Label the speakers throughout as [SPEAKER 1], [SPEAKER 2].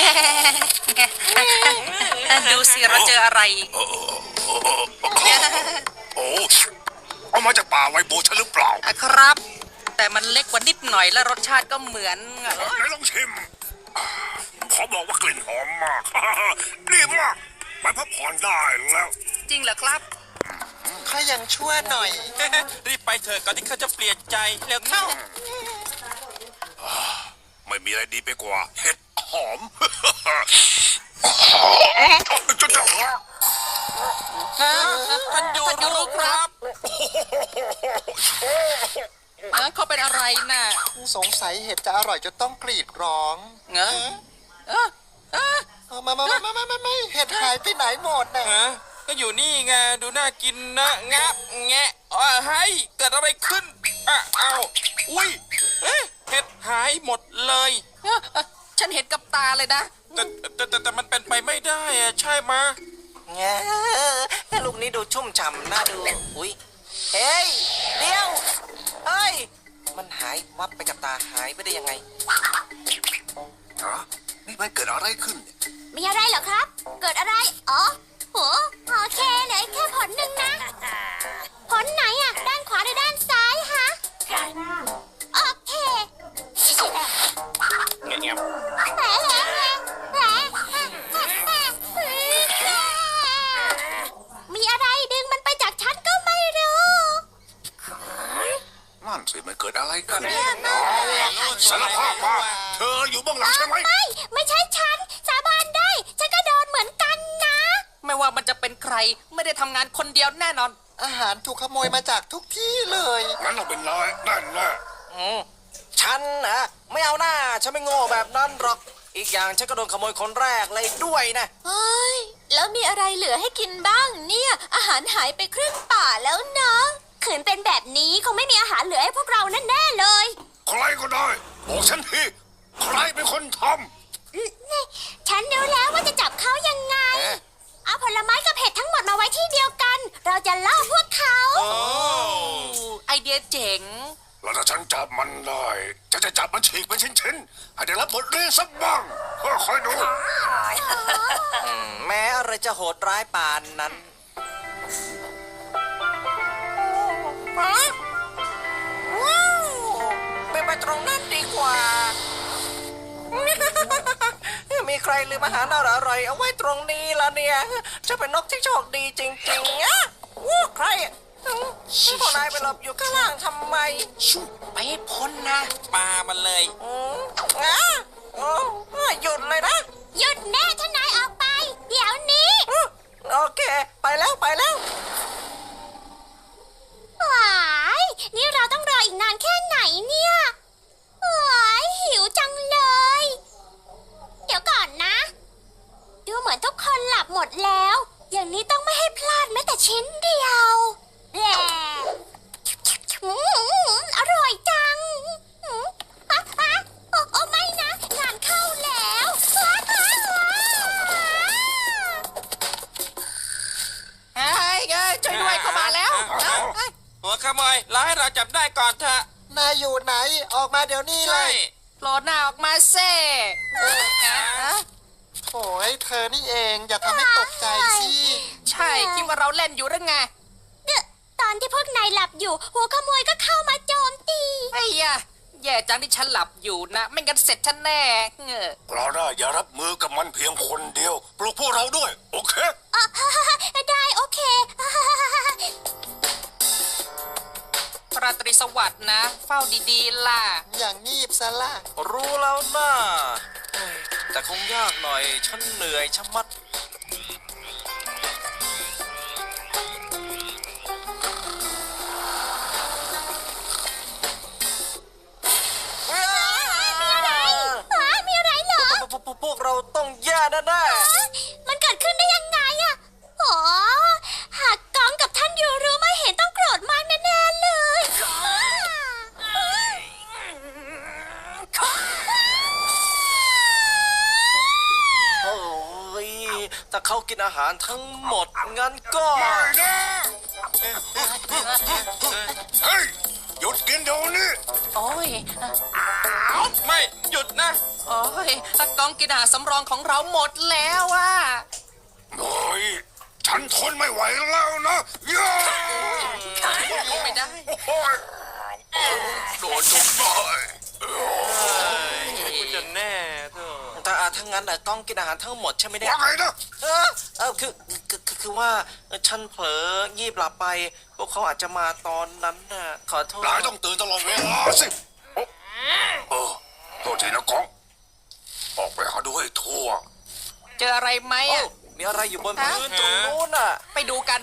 [SPEAKER 1] ดูสิเราเจออะไร
[SPEAKER 2] โอ้เอามาจากป่าไวโบฉันหรือเปล่า
[SPEAKER 1] ครับ แต่มันเล็กกว่านิดหน่อยและรสชาติก็เหมือน
[SPEAKER 2] ไหนลองชิมขอบอกว่ากลิ่นหอมมาก ดีมากไปพักผ่อนได้แล้ว
[SPEAKER 1] จริงเหรอครับ
[SPEAKER 3] ข้ายังชั่วหน่อย
[SPEAKER 4] รีบไปเถอะก่อนที่เขาจะเปลี่ยนใจเร็วเข้า
[SPEAKER 2] ไม่มีอะไรดีไปกว่าเห็ดหอม
[SPEAKER 4] ท่านยูรู้ครับ
[SPEAKER 1] เขาเป็นอะไรน่ะ
[SPEAKER 3] สงสัยเห็ดจะอร่อยจนต้องกรีดร้อง
[SPEAKER 1] เงอะเออเออ
[SPEAKER 3] ไม่เห็ดหายไปไหนหมดน่ะ
[SPEAKER 4] ฮะก็อยู่นี่ไงดูน่ากินนะงับแงะเฮ้ยเกิดอะไรขึ้นเอาอุ้ยเห็ดหายหมดเลย
[SPEAKER 1] ฉันเห็นกับตาเลยนะ
[SPEAKER 4] แต่มันเป็นไปไม่ได้อะใช่มะ
[SPEAKER 3] แง่ลูกนี้ดูชุ่มฉ่ำน่าดู อุ้ยเฮ้ยเดี๋ยวเฮ้ย มันหายวับไปกับตาหายไปได้ยังไง
[SPEAKER 2] ฮะนี่มันเกิดอะไรขึ้นเนี่ย
[SPEAKER 5] มีอะไรเหรอครับ เกิดอะไร อ๋อโหโอเคเหลยแค่ผลหนึ่งนะ ผลไหนอะด้านขวาหรือด้านซ้ายฮะ โอเค
[SPEAKER 4] เงียบ
[SPEAKER 5] แผลมีอะไรดึงมันไปจากฉันก็ไม่รู้
[SPEAKER 2] นั่นสิมันเกิดอะไรขึ้นสารภาพมาเธออยู่เบื้องหลังใช่ไหม
[SPEAKER 5] ไม่ใช่ฉัน สาบานได้ ฉันก็โดนเหมือนกันนะ
[SPEAKER 1] ไม่ว่ามันจะเป็นใครไม่ได้ทำงานคนเดียวแน่นอน
[SPEAKER 3] อาหารถูกขโมยมาจากทุกที่เลย
[SPEAKER 2] งั้นเราเป็นนายนั่นแน่
[SPEAKER 3] ฉันนะไม่เอาหน้า ฉันไม่โง่แบบนั้นหรอก อีกอย่างฉันก็โดนขโมยคนแรกเลยด้วยนะ
[SPEAKER 5] เฮ้ย แล้วมีอะไรเหลือให้กินบ้างเนี่ย อาหารหายไปครึ่งป่าแล้วนะขืนเป็นแบบนี้คงไม่มีอาหารเหลือให้พวกเราแน่ๆเลย
[SPEAKER 2] ใครก็ได้บอกฉันทีใครเป็นคนท
[SPEAKER 5] ฉันรู้แล้วว่าจะจับเขายังไง เอาผลไม้กับเห็ดทั้งหมดมาไว้ที่เดียวกัน เราจะล่อพวกเขา
[SPEAKER 1] ไอเดียเจ๋ง
[SPEAKER 2] ำแล้วถ้าฉันจับมันได้ฉันจะจับมันฉีกเป็นชิ้นๆให้ได้รับบทเรียนสักบ้างคอยดู
[SPEAKER 3] แม้อะไรจะโหดร้ายปานนั้น เป็นไปตรงนั้นดีกว่า มีใครลืมอาหารอร่อยๆเอาไว้ตรงนี้ละเนี่ย จะเป็นนกที่โชคดีจริงๆอะใครอะพวกนายไปหลบอยู่ข้างล่างทำไม
[SPEAKER 1] ไปให้พ้นนะ
[SPEAKER 4] ปลามันเลย
[SPEAKER 3] อ่ะโอ้หยุดเลยนะ
[SPEAKER 5] หยุดแน่ถ้านายออกไป เดี๋ยวนี้
[SPEAKER 3] โอเค ไปแล้วไปแล้ว
[SPEAKER 5] หวายนี่เราต้องรออีกนานแค่ไหนเนี่ยหวายหิวจังเลย เดี๋ยวก่อนนะ ดูเหมือนทุกคนหลับหมดแล้ว อย่างนี้ต้องไม่ให้พลาดแม้แต่ชิ้นเดียวแหละอร่อยจังโอ้ไม่นะ งานเข้าแล้ว
[SPEAKER 1] เฮ้ยช่วยด้วยเข้ามาแล้ว
[SPEAKER 4] หัวขโมยรอให้เราจับได้ก่อนเถอะ
[SPEAKER 3] นายอยู่ไหน ออกมาเดี๋ยวนี้เล
[SPEAKER 4] ใช่
[SPEAKER 3] ย
[SPEAKER 1] โผล่หน้าออกมาเซ่
[SPEAKER 3] โอ้ยเธอนี่เองอย่าทำให้ตกใจสิ
[SPEAKER 1] ใช่คิดว่าเราเล่นอยู่หรือไง
[SPEAKER 5] ตอนที่พวกนายหลับอยู่ หัวขโมยก็เข้ามาโจมตี
[SPEAKER 1] ไอ้ยะแย่จังที่ฉันหลับอยู่นะ ไม่งั้นเสร็จฉันแน่เงอะ
[SPEAKER 2] เราได้อย่ารับมือกับมันเพียงคนเดียว ปลุกพวกเราด้วย โอเค
[SPEAKER 5] ได้โอเค
[SPEAKER 1] ราตรีสวัสดิ์นะ เฝ้าดีๆล่ะ
[SPEAKER 3] อย่างงีบซะละ
[SPEAKER 4] รู้แล้วนะแต่คงยากหน่อย ฉันเหนื่อยชะมัด
[SPEAKER 5] มีอะไรเหรอ
[SPEAKER 3] พวกเราต้องแย่แน่
[SPEAKER 5] มันเกิดขึ้นได้ยังไงอะโอ้หากกองกับท่านยูรู้ไม่เห็นต้องโกรธมากแน่ๆเลย
[SPEAKER 3] โอ้ยถ้าเขากินอาหารทั้งหมด งั้นก็
[SPEAKER 2] ไม่นะเฮ้ย หยุดกินเดี๋ยวนี้
[SPEAKER 1] โอ้ย
[SPEAKER 4] ไม่หยุดนะ
[SPEAKER 1] โอ้ยกองกินอาหารสำรองของเราหมดแล้วอ่ะ
[SPEAKER 2] โอ้ยฉันทนไม่ไหวแล้วนะย่า
[SPEAKER 1] ไม่ได้
[SPEAKER 2] โอ้ยโดนจนได้
[SPEAKER 4] คุณจะแน่เถอะ
[SPEAKER 3] แต่ถ้างั้นกล้องกินอาหารทั้งหมดใช่ไหมเนี่ย
[SPEAKER 2] ว่าไงนะ
[SPEAKER 3] คือว่าฉันเผลองีบหลับไป พวกเขาอาจจะมาตอนนั้นน่ะขอโทษ
[SPEAKER 2] นายต้องตื่นตลอดเวลาสิโทษทีนะกองออกไปหาดูให้ทั่ว
[SPEAKER 1] เจออะไรไหม
[SPEAKER 3] โอ้
[SPEAKER 1] อ่ะ
[SPEAKER 3] มีอะไรอยู่บนพื้นตรงนู้นน่ะ
[SPEAKER 1] ไปดูกัน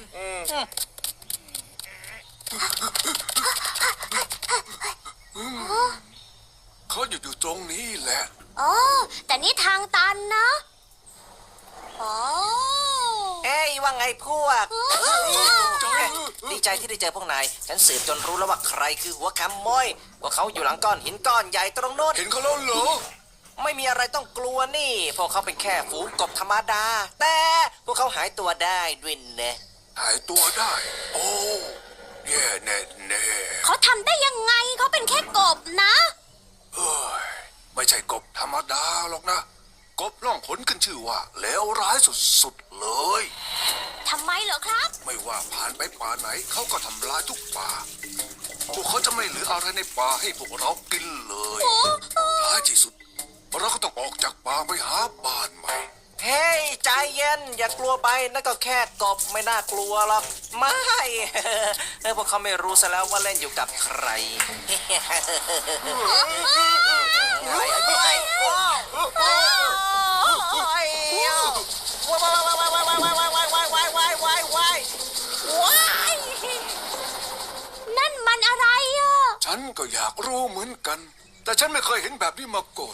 [SPEAKER 2] เขาอยู่ตรงนี้แหละ
[SPEAKER 5] อ๋อ แต่นี่ทางตันนะอ๋อ
[SPEAKER 3] เอ้ยว่าไงพวกดีใจที่ได้เจอพวกนาย ฉันสืบจนรู้แล้วว่าใครคือหัวขโมยพวกเขาอยู่หลังก้อนหินก้อนใหญ่ตรงโน้น
[SPEAKER 2] เห็นเขาแล้วเหรอ
[SPEAKER 3] ไม่มีอะไรต้องกลัวนี่ พวกเขาเป็นแค่ฝูงกบธรรมดา แต่พวกเขาหายตัวได้ด้วยนะ
[SPEAKER 2] หายตัวได้ โอ้แย่แน่แน่
[SPEAKER 5] เขาทำได้ยังไงเขาเป็นแค่กบนะ
[SPEAKER 2] เฮ้ยไม่ใช่กบธรรมดาหรอกนะ กบล่องขนขึ้นชื่อว่าเลวร้ายสุดๆเลย
[SPEAKER 5] ทำไมเหรอครับ
[SPEAKER 2] ไม่ว่าผ่านไปป่าไหนเขาก็ทำลายทุกป่า พวกเขาจะไม่เหลืออะไรในป่าให้พวกเรากินเลยท้ายที่สุด เราก็ต้องออกจากป่าไปหาบ้านใหม่
[SPEAKER 3] เฮ้ยใจเย็น อย่ากลัวไปนั่นก็แค่กบไม่น่ากลัวหรอกไม่ พวกเขาไม่รู้ซะแล้วว่าเล่นอยู่กับใครว้าย
[SPEAKER 5] นั่นมันอะไรอ่ะ
[SPEAKER 2] ฉันก็อยากรู้เหมือนกัน แต่ฉันไม่เคยเห็นแบบนี้มาก่อน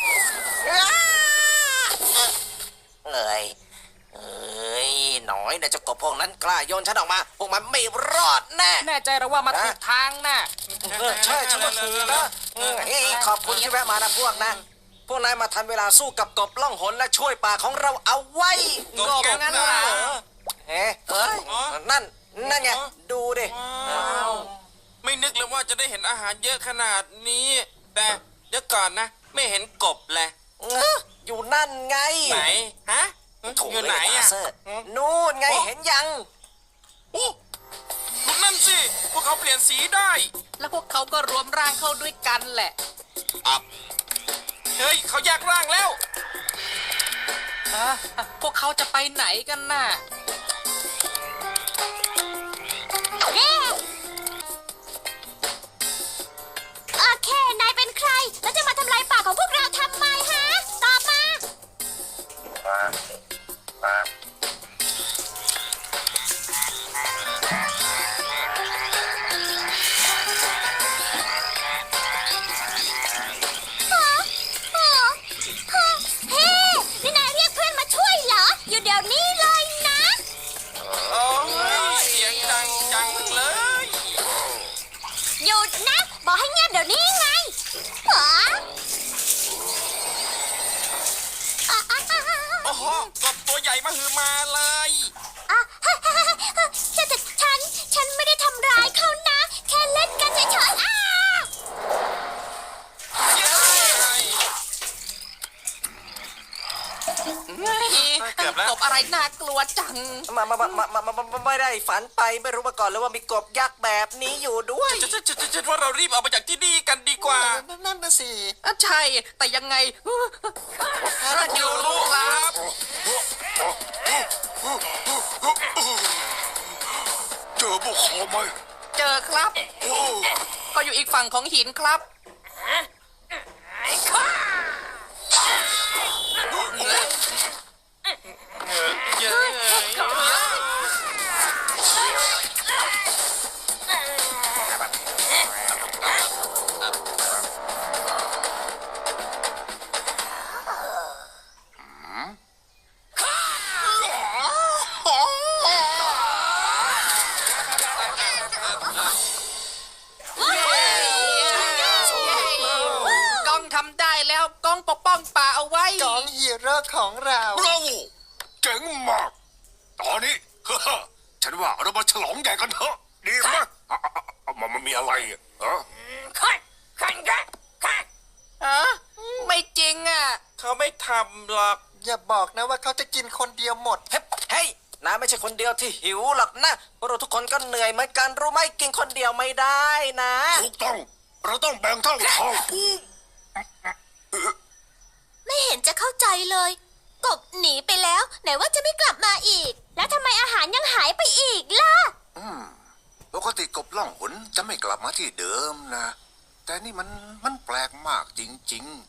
[SPEAKER 3] เอ้ยหน่อยนะเจ้ากบพวกนั้นกล้าโยนฉันออกมา พวกมันไม่รอดแน่
[SPEAKER 1] แน่ใจแล้วว่ามาถูกทางน่ะ
[SPEAKER 3] ใช่ฉันว่าถูกนะเฮ้ยขอบคุณที่แวะมานะพวกนะ พวกนายมาทันเวลาสู้กับกบล่องหนและช่วยป่าของเราเอาไว้
[SPEAKER 1] กบงั้นเหรอ
[SPEAKER 3] เฮ้ยนั่นไงดูดิ
[SPEAKER 4] ว้าวไม่นึกเลยว่าจะได้เห็นอาหารเยอะขนาดนี้ แต่เดี๋ยวก่อนนะ ไม่เห็นกบเลย
[SPEAKER 3] อยู่นั่นไง
[SPEAKER 4] ไหนฮะ
[SPEAKER 3] โถ
[SPEAKER 4] อยู่ไหนอ่ะ
[SPEAKER 3] เซอร์นู่นไงเห็นยัง
[SPEAKER 4] โอ้ดูนั่นสิ พวกเขาเปลี่ยนสีได้
[SPEAKER 1] แล้วพวกเขาก็รวมร่างเข้าด้วยกันแหละ
[SPEAKER 4] เฮ้ย เขาแยกร่างแล้ว
[SPEAKER 1] พวกเขาจะไปไหนกันน่ะ
[SPEAKER 5] โอเค นายเป็นใคร แล้วจะมาทำลายป่าของพวกเราทำไมฮะ ตอบมา เฮ้ นี่นายเรียกเพื่อนมาช่วยเหรอ อยู่เดี๋ยวนี้เลยนะ
[SPEAKER 4] โอ้ยเสียงดังจังเลย
[SPEAKER 5] หยุดนะ บอกให้เงียบเดี๋ยวนี้ไงหรอ
[SPEAKER 4] โอ้โหกบตัวใหญ่มาหือมาเลย
[SPEAKER 5] ฉันไม่ได้ทำร้ายเขานะ แค่เล่นกันเฉยๆ
[SPEAKER 4] เกือบแล้ว
[SPEAKER 1] กบอะไรน่ากลัวจัง
[SPEAKER 3] ไม่ได้ฝันไปไม่รู้มาก่อนเลยว่ามีกบยักษ์แบบนี้อยู่ด้วย
[SPEAKER 4] ฉันว่าเรารีบออกไปจากที่นี่กันดีกว่า
[SPEAKER 3] นั่นน่ะสิ
[SPEAKER 1] ใช่ แต่ยังไง
[SPEAKER 4] อยู่รู้ครับ
[SPEAKER 2] เจอพวกเขาไหม
[SPEAKER 1] เจอครับ
[SPEAKER 2] โอ้
[SPEAKER 1] ก็อยู่อีกฝั่งของหินครับ
[SPEAKER 4] เยอะ
[SPEAKER 1] กล้องทำได้แล้วกล้องปกป้องป่าเอาไว้
[SPEAKER 3] จองฮีโร่ของเรา
[SPEAKER 2] บราโวเจ๋งมาก ตอนนี้ ฉันว่าเรามาฉลองใหญ่กันเถอะ ดีไหมมันมีอะไรอ่ะฮะ
[SPEAKER 1] ไม่จริงอ่ะ
[SPEAKER 4] เขาไม่ทลับหรอก
[SPEAKER 3] อย่าบอกนะว่าเขาจะกินคนเดียวหมด เฮ้ยน้าไม่ใช่คนเดียวที่หิวหรอกนะพวกเราทุกคนก็เหนื่อยเหมือนกันรู้ไหมกินคนเดียวไม่ได้นะ
[SPEAKER 2] ถูกต้อง เราต้องแบ่งเท่าเท่า
[SPEAKER 5] ไม่เห็นจะเข้าใจเลย กบหนีไปแล้ว ไหนว่าจะไม่กลับมาอีก แล้วทำไมอาหารยังหายไปอีกล่ะ
[SPEAKER 2] ปกติกบล่องหนจะไม่กลับมาที่เดิมนะ แต่นี่มันแปลกมากจริงๆ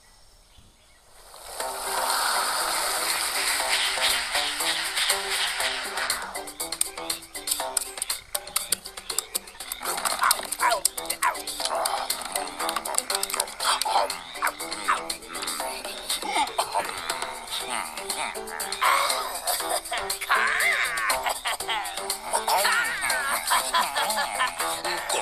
[SPEAKER 2] ก